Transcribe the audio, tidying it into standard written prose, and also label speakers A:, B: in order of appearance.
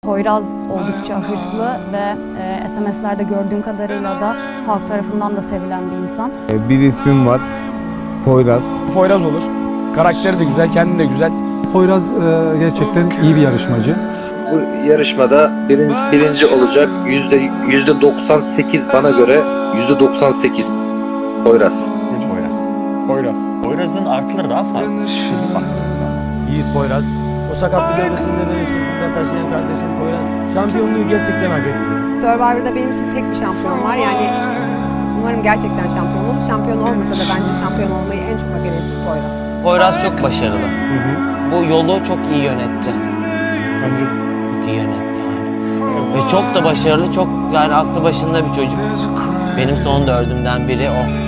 A: Poyraz oldukça hırslı ve SMS'lerde gördüğüm kadarıyla da halk tarafından da sevilen bir insan.
B: Bir ismim var, Poyraz.
C: Poyraz olur. Karakteri de güzel, kendi de güzel.
D: Poyraz gerçekten iyi bir yarışmacı.
E: Bu yarışmada birinci olacak. %98 bana göre %98 Poyraz.
F: Poyraz'ın artıları daha fazla.
G: Yiğit Poyraz. O sakatlık evresinde beni sırtında taşıyan kardeşim Poyraz. Şampiyonluğu gerçekten hak ediyor.
H: Survivor'da benim için tek bir şampiyon var. Yani umarım gerçekten şampiyon olur. Şampiyon olmasa da bence şampiyon olmayı en çok hak eden isim Poyraz.
I: Poyraz çok başarılı. Bu yolu çok iyi yönetti.
D: Bence
I: Çok iyi yönetti yani. Ve çok da başarılı, çok yani aklı başında bir çocuk. Benim son dördümden biri o.